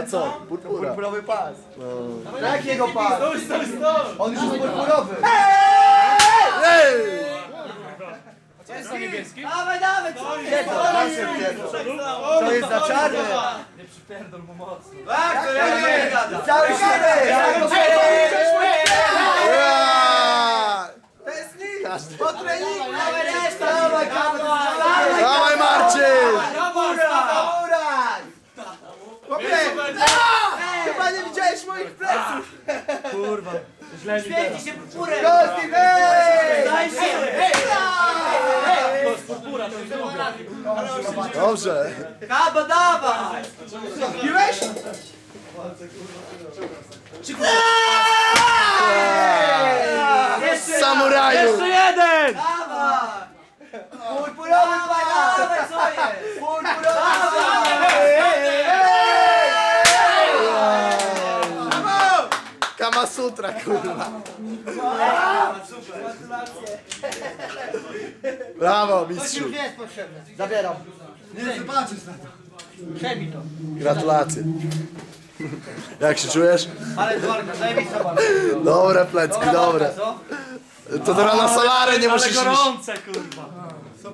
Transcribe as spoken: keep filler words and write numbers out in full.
A co? Purpura. Purpurowy pas. No. Jakiego pas? Stój, stój, stój! On już jest purpurowy. Ej! Co jest na niebieskim? Dawaj, dawaj, co jest? To jest za czarny. Nie przypierdol mu mocno. Tak, to ja nie gada. Cały środek. Ja! To jest nic. Każdy. Po treningu. Dawaj, reszta. Dawaj, dawaj. Dawaj Marcin! Uraj. Chłopie. Chyba nie widziałeś moich pleców. Kurwa, źle mi teraz. Świeci się purpurem. Kosti, hej. Daj się. Hej, To jest purpura, to jest drugie. Dobrze. Kaba, dawaj. Piłeś? Jeszcze Samuraju! Jeszcze jeden! dawaj. Purpurowy Dawaj, pas. dawaj, co jest? Purpurowy Kama Sutra, kurwa. Brawo, mistrzu. nie jest potrzebne. Zabieram. Nie zobaczysz na to. Przejmij to. Gratulacje. Jak się czujesz? Ale dworka, daj mi zobacz. Dobre plecki, dobre. Co? To teraz na solarę nie Ale musisz iść. gorące, kurwa.